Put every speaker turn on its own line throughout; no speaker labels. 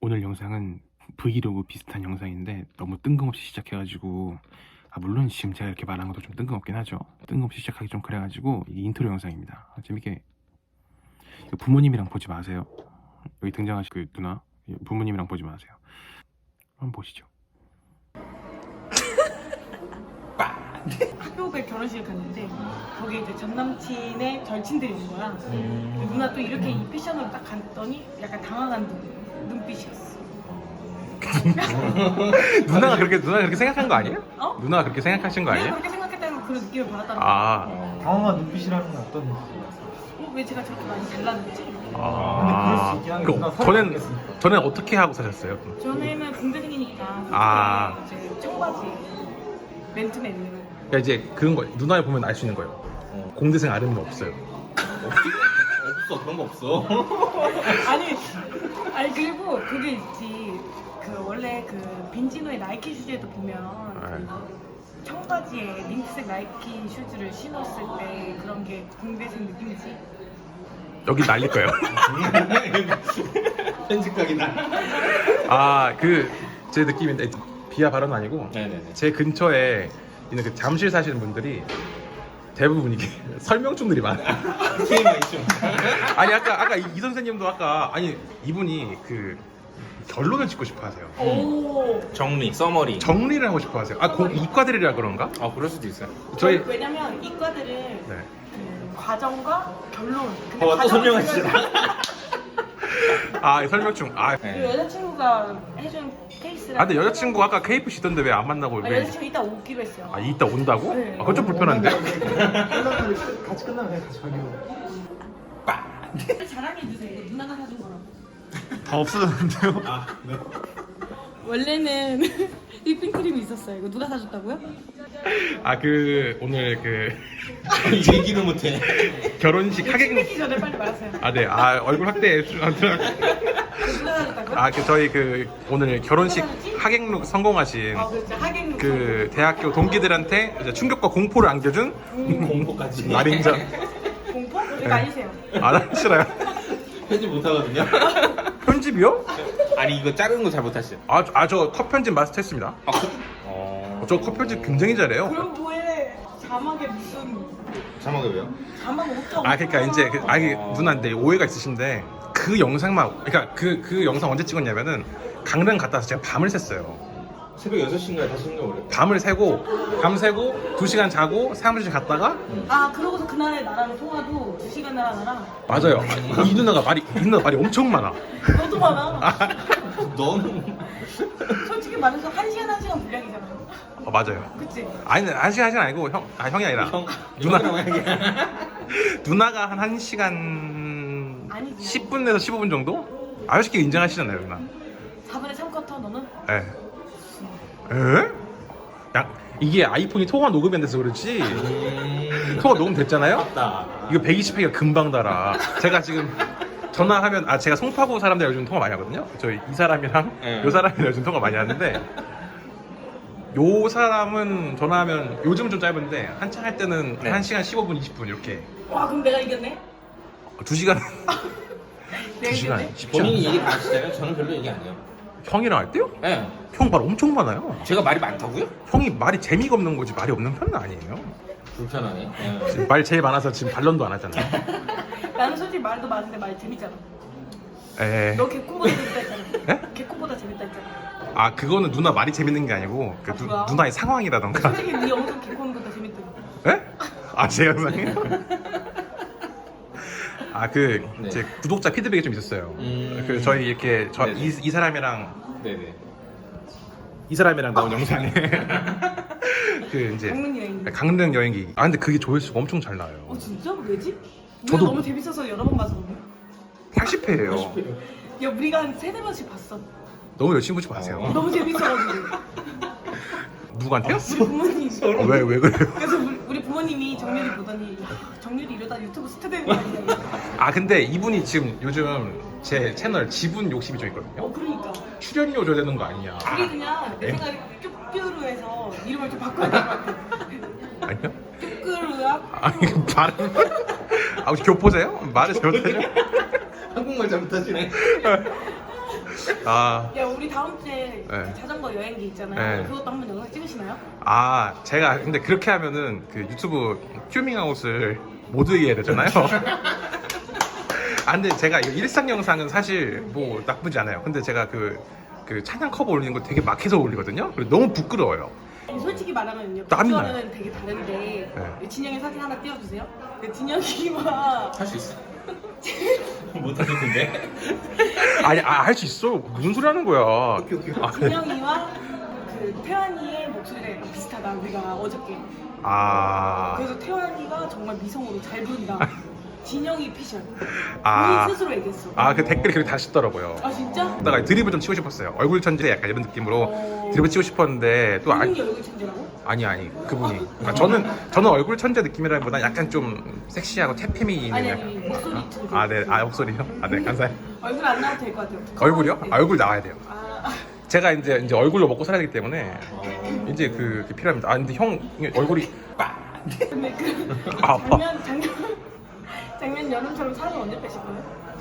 오늘 영상은 브이로그 비슷한 영상인데 너무 뜬금없이 시작해가지고 물론 지금 제가 이렇게 말한 것도 좀 뜬금없긴 하죠. 뜬금없이 시작하기 좀 그래가지고 이 인트로 영상입니다. 재밌게 부모님이랑 보지 마세요. 여기 등장하신 그 누나 부모님이랑 보지 마세요. 한번 보시죠.
학교에 결혼식을 갔는데 거기 이제 전 남친의 절친들이 온 거야. 누나 또 이렇게 이 패션으로 딱 갔더니 약간 당황한 눈빛이었어.
누나가 그렇게 생각한 거 아니에요?
어?
누나가 그렇게 생각하신 거
내가
아니에요?
그렇게 생각했다는 그런 느낌을 받았다는 거야.
아,
당황한 눈빛이라는 건 어떤 눈빛이에요?
왜 제가 저렇게 많이 잘났는지.
그럴 수 있긴 한데 누나
저는 어떻게 하고 사셨어요?
전에는 공대생이니까
아.
이제 청바지 맨투맨으로.
그러니까 이제 그런 거 누나를 보면 알 수 있는 거예요. 공대생 아름은 없어요.
없어, 그런 거 없어.
아니 그리고 그게 있지. 그 원래 그 빈지노의 나이키 슈즈에도 보면 그 청바지에 민트색 나이키 슈즈를 신었을 때 그런 게 공대생 느낌이지.
여기 날릴 거예요.
편집각이다.
제 느낌인데 비하 발언은 아니고
네네네.
제 근처에 있는 그 잠실 사시는 분들이 대부분 이게 설명충들이 많아요.
TMI 좀.
아니 아까 이 선생님도 아니 이분이 그 결론을 짓고 싶어 하세요.
오.
정리, 서머리.
정리를 하고 싶어 하세요. 이과들이라 그런가?
그럴 수도 있어요.
저희
왜냐면 이과들은
네.
그 과정과 결론. 근데
또
과정을
설명하시잖아.
설명충.
그 여자친구가 해준 케이스라.
근데 여자친구 아까 케이프 시던데 왜 안 만나고 왜?
여자친구 이따 오기로 했어요.
이따 온다고?
네.
그건 좀 불편한데.
같이 끝나면 그냥 같이 가기로.
자랑해주세요. 이거 누나가 사준 거라고.
다 없어졌는데요?
네.
원래는 휘핑크림이 있었어요. 이거 누가 사줬다고요?
오늘
얘기도 못해.
결혼식 하객.
휘핑크림 전에 빨리 말하세요.
네. 얼굴 확대.
누가 사줬다고요?
저희 오늘 결혼식 하객룩 성공하신
그렇죠. 하객
그 대학교 동기들한테 이제 충격과 공포를 안겨준
공포까지.
날인전.
공포? 이거 아니세요.
나 싫어요.
편집 못하거든요.
편집이요?
아니 이거 자르는 거 잘 못하시죠?
저 컷 편집 마스터했습니다. 저 컷 편집 굉장히 잘해요.
그럼 뭐해? 자막에 무슨
자막이 왜요?
자막 5점.
그러니까 이제 누나한테 오해가 있으신데 그 영상만 그러니까 그 영상 언제 찍었냐면은 강릉 갔다 와서 제가 밤을 샜어요.
새벽 6시인가에 5시인가 그래.
밤을 새고 밤새고 2시간 자고 사무실 갔다가
그러고서 그날에 나랑 통화도 2시간 나랑
맞아요. 이 누나 말이 엄청 많아.
너도 많아.
넌
솔직히 말해서 1시간 분량이잖아.
맞아요.
그치?
아니 1시간 아니고 형이 아니라 누나가 한 1시간
아니지.
10분에서 15분 정도? 솔직히 인정하시잖아요 누나.
4분의 3쿼터 너는?
에? 이게 아이폰이 통화 녹음이 안 돼서 그렇지 통화 녹음 됐잖아요?
맞다.
이거 120회가 금방 달아. 제가 지금 전화하면 제가 송파구 사람들 요즘 통화 많이 하거든요. 이 사람이랑
네.
요 사람이랑 요즘 통화 많이 하는데 요 사람은 전화하면 요즘은 좀 짧은데 한창 할 때는
네.
1시간 15분 20분 이렇게
와 그럼 내가 이겼네?
2시간
내가
2시간
이겼네?
쉽지
본인이
않아.
얘기 다 하시잖아요. 저는 별로 얘기 안 해요.
형이랑 할 때요?
네.
형 말 엄청 많아요.
제가 말이 많다고요?
형이 말이 재미가 없는 거지 말이 없는 편은 아니에요.
불편하네.
지금 말 제일 많아서 지금 반론도 안 하잖아요.
나는 솔직히 말도 많은데 말 재밌잖아.
에.
너 개콘보다 재밌다 했잖아.
네?
개콘보다 재밌다 했잖아.
그거는 누나 말이 재밌는 게 아니고
뭐야?
누나의 상황이라던가.
솔직히 네 영상 개콘보다 재밌더라.
에? 제 영상이요?
네.
제 구독자 피드백이 좀 있었어요. 저희 이렇게
네네.
이 사람이랑
네네.
이 사람이랑 나온 영상에 이제
강릉 여행.
강릉 여행기. 근데 그게 조회수가 엄청 잘 나와요.
진짜? 왜지?
저도-
우리가 너무 재밌어서 여러 번 봐서 그래.
80회예요.
야 우리가 한 3-4번씩 봤어.
너무 열심히 보지 마세요.
너무 재밌어가지고.
누구한테요?
우리 부모님.
왜 그래요?
그래서 우리 부모님이 정렬이 보더니 야, 정렬이 이러다 유튜브 스타 되는 거 아니야?
근데 이분이 지금 요즘 제 채널 지분 욕심이 좀 있거든요.
그러니까.
출연료 줘야 되는 거 아니냐.
우리 그냥 내
네?
생각에 쭈꾸루 해서 이름을 좀 바꿔야 될 것 같아.
아니요?
쭈꾸루야?
발음. 혹시 교포세요? 말을 잘못하죠?
한국말 잘못하시네. 아,
야 우리 다음 주에
네.
자전거 여행기 있잖아요.
네.
그것도 한번 영상 찍으시나요?
아, 제가 근데 그렇게 하면은 그 유튜브 튜밍아웃을 못 이해야 되잖아요. 아, 근데 제가 이 일상 영상은 사실 뭐 나쁘지 않아요. 근데 제가 그 찬양 커버 올리는 거 되게 막해서 올리거든요. 그리고 너무 부끄러워요.
솔직히 말하면요.
땀이 나요.
비주얼은 되게 다른데
네.
진영이 사진 하나 띄워주세요. 그 진영이와
할 수 있어. 못하겠는데?
아니, 할 수 있어. 무슨 소리 하는 거야. 아,
진영이와 그 태환이의 목소리가 약간 비슷하다. 우리가 어저께.
아,
그래서 태환이가 정말 미성으로 잘 부른다. 진영이 패션.
아.
본인 스스로 얘기했어.
그 댓글이 그렇게 다시더라고요.
아 진짜?
다가 드립을 좀 치고 싶었어요. 얼굴 천재 약간 이런 느낌으로
어.
드립을 치고 싶었는데 또
본인이 얼굴 천재라고?
아니 그분이. 그러니까 저는 얼굴 천재 느낌이라기보다 약간 좀 섹시하고 태페미
아니
있는.
아니 목소리 천재.
네, 목소리요? 네, 감사해요.
얼굴 안 나와도 될 것 같아요.
얼굴이요?
네.
얼굴 나와야 돼요.
아,
제가 이제 얼굴로 먹고 살아야 되기 때문에 이제 그게 필요합니다. 근데 형 얼굴이
근데 그
아,
작년 여름처럼 살은 언제 빼실 거예요?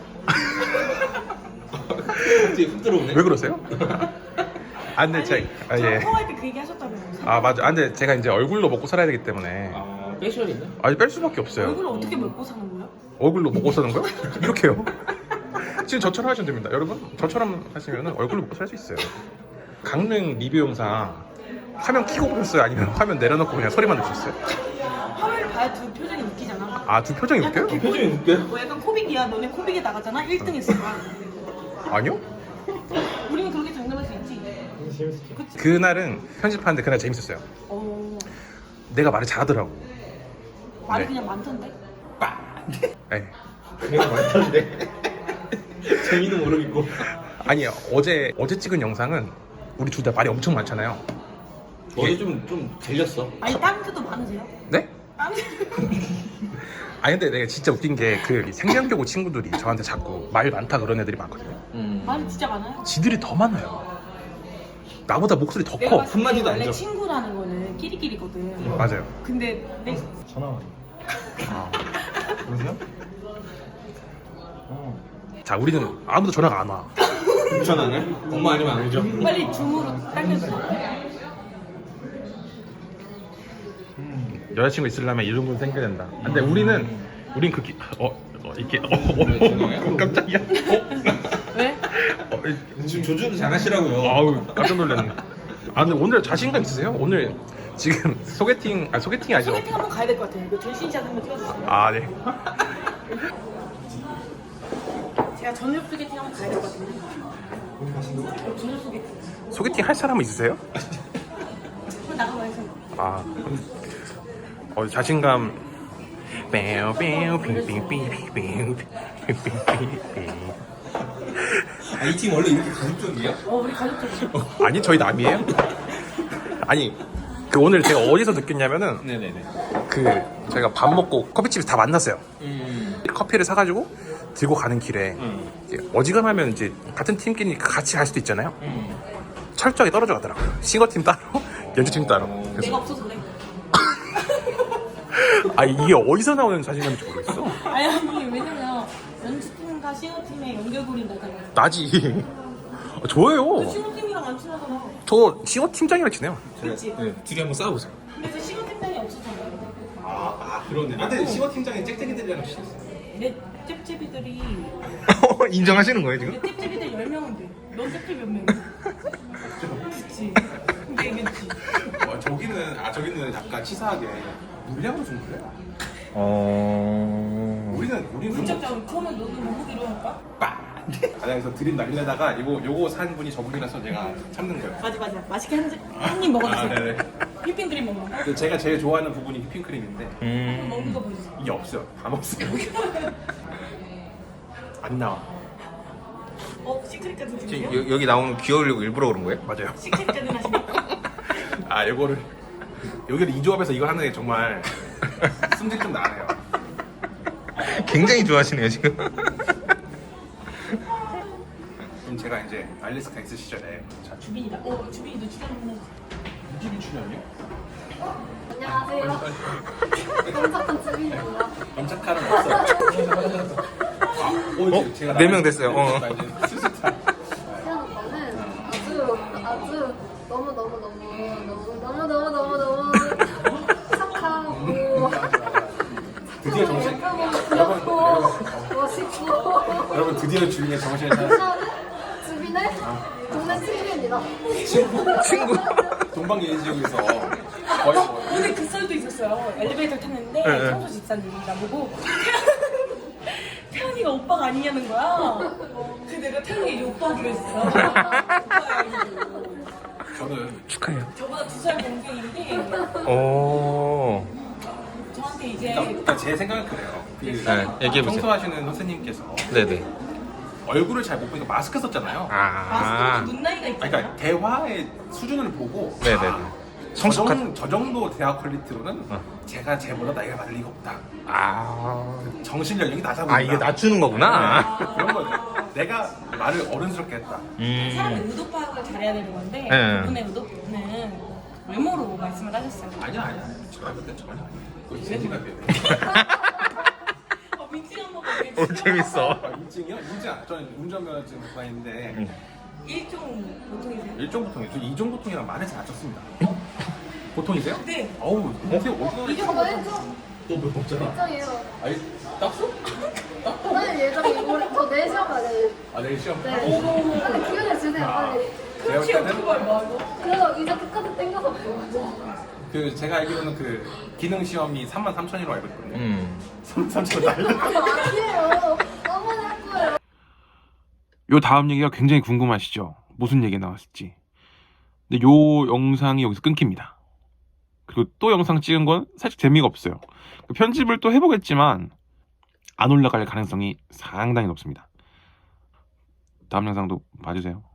갑자기 훅 들어오네.
왜 그러세요? 근데 예.
통화할 때 그 얘기 하셨다면서요?
맞아. 근데 제가 이제 얼굴로 먹고 살아야 되기 때문에
패션이네?
뺄 수밖에 없어요.
얼굴을 어떻게 먹고 사는 거야?
얼굴로 먹고 사는 거요? 이렇게요. 지금 저처럼 하시면 됩니다. 여러분, 저처럼 하시면 얼굴로 먹고 살 수 있어요. 강릉 리뷰 영상 화면 켜고 보셨어요? 아니면 화면 내려놓고 그냥 소리만 들으셨어요?
화면을 봐야 두 표정이 웃기잖아.
두 표정이 웃겨요?
표정이 웃겨?
뭐 약간 코빅이야. 너네 코빅에 나가잖아. 1등 했을 거야.
아니요?
우리는 그렇게 장담할 수 있지. 그치?
그날은 편집하는데 그날 재밌었어요. 내가 말을 잘하더라고.
말이
네.
그냥 많던데?
네.
그냥 많던데. 재미는 모르겠고.
아니, 어제 찍은 영상은 우리 둘 다 말이 엄청 많잖아요.
어제 좀 질렸어.
아니 다른 데도 많으세요?
네?
다른 데
근데 내가 진짜 웃긴 게 그 생명교구 친구들이 저한테 자꾸 말 많다 그런 애들이 많거든요.
말이 진짜 많아요?
지들이 더 많아요. 나보다 목소리 더
내가
커.
봤을 때
한마디도 안
원래
줘.
친구라는 거는 끼리끼리거든.
맞아요.
근데 내
전화. 그러세요?
자, 우리는 아무도 전화가 안 와.
전화네? 엄마 아니면 안 오죠?
빨리 줌으로 당겨주세요.
여자친구 있으려면 이런 건 생겨야 된다. 근데 우린 이렇게 깜짝이야.
왜?
지금 조준 잘하시라고요.
아우, 깜짝 놀랐네. 근데 오늘 자신감 있으세요? 오늘 지금 소개팅이 아니죠?
소개팅 한번 가야 될 것 같아요. 이거 전신샷 한번 찍어주세요.
네.
제가 저녁 소개팅 한번 가야 될 것 같은데. 저녁 소개팅.
소개팅 할 사람은 있으세요?
한번 나가봐 해서.
자신감.
이 팀 원래 이렇게 가족적이야?
우리 가족들.
아니, 저희 남이에요? 아니, 오늘 제가 어디서 느꼈냐면은
네네네.
저희가 밥 먹고 커피집에서 다 만났어요. 커피를 사가지고 들고 가는 길에 이제 어지간하면 이제 같은 팀끼리 같이 갈 수도 있잖아요. 철저하게 떨어져 가더라고요. 싱어팀 따로, 연주팀 따로. 그래서
내가 없어서 그래.
이게 어디서 나오는 자신감인지 모르겠어.
아니 왜냐면 연주팀과 싱어팀의 연결고리 나잖아요.
나지. 좋아요.
싱어팀이랑 안 친하잖아.
저 싱어팀장이랑 지내요.
그치?
네, 둘이 한번 싸워보세요.
근데 그 싱어팀장이 없었잖아.
그러네. 근데 싱어팀장이 짹짹이들이랑 친했어.
내 잽잽이들이
인정하시는 거예요, 지금?
내 잽잽이들 10명은 돼. 넌 잽잽 몇 명이야? 그치? 근데 이겼지.
저기는 약간 치사하게 물량으로 좀 그래요. 우리는
문짝장 그러면 너도 먹기로 할까?
그래서 드림 날리려다가 요거 산 분이 저분이라서 제가 참는 거예요.
맞아. 맛있게 한입 먹어주세요.
네네.
휘핑크림 먹는 거?
근데 제가 제일 좋아하는 부분이 휘핑크림인데
먹는 거 보여주세요.
이게 없어요. 다 먹었어요. 안 나와.
시크릿까지 드세요?
여기 나오는 귀여우려고 일부러 그런 거예요?
맞아요.
시크릿까지 하시니까?
여기를 이 조합에서 이걸 하는 게 정말 숨질 좀 나네요.
굉장히 좋아하시네요 지금.
그럼 제가 이제 알래스카 있을 시절에
주빈이다. 주빈이도 출연하는
유지비 출연이요?
안녕하세요. 깜짝한 ጽ빈이고요.
검색하는 없어요. 제가
네 명 됐어요.
슬슬
아주 너무 착하고
드디어 정신.
예쁘고 멋있고
여러분 드디어 주인의 정신을 찾았어요.
주민의 동네 친구입니다.
친구.
동방예의 지역에서 거의 뭐
오늘 그 썰도 있었어요. 엘리베이터 탔는데
네.
청소 집사님이 나보고 태연이가 오빠가 아니냐는 거야. 그 내가 태연이 이제 오빠 하기로 했어. 오빠야 이러고.
저는
축하해요.
저보다 2살 동생인데
오.
저한테 이제
그러니까 제 생각은 그래요.
네, 얘기해보세요.
청소하시는 선생님께서
네네.
얼굴을 잘 못 보니까 마스크 썼잖아요.
아.
마스크도 눈 나이가
아니,
있잖아요.
그러니까 대화의 수준을 보고
네네네. 성숙한.
저 정도 대화 퀄리티로는
어.
제가 쟤보다 나이가 많을 리가 없다.
아.
정신 연령이 낮아 보인다.
아, 이게 낮추는 거구나.
그런 거죠. 내가 말을 어른스럽게 했다.
사람의 의도 파악을 잘해야 되는 건데
네.
그분의 의도는 외모로 말씀을 하셨어요.
아니야. 제가 그때 전혀 아니야. 그거 제 생각이에요.
민증 한번
오, 재밌어.
인증이요? 인증 안. 저는 운전면허증 구간인데
일종 보통이세요?
일종 보통이에요. 저 이종 보통이랑 많이 잘 쳤습니다. 보통이세요?
네.
어우, 어떻게 어디가
저거 해줘.
너몇 없잖아.
예정이에요.
아니, 땄어?
오늘 예정이 저 4시간 만에.
아, 내일 시험.
네. 빨리 기운을 주세요 빨리.
제가 볼
혹시 어떻게
때는
봐요?
그래서 이제 끝까지 땡겨서 보여줘.
그 제가 알기로는 그 기능 시험이 33,000이라고 알고 있거든요. 33,000원 날려.
아니에요. 한번 할 거예요.
요 다음 얘기가 굉장히 궁금하시죠? 무슨 얘기 나왔을지. 근데 요 영상이 여기서 끊깁니다. 그리고 또 영상 찍은 건 살짝 재미가 없어요. 편집을 또 해보겠지만 안 올라갈 가능성이 상당히 높습니다. 다음 영상도 봐주세요.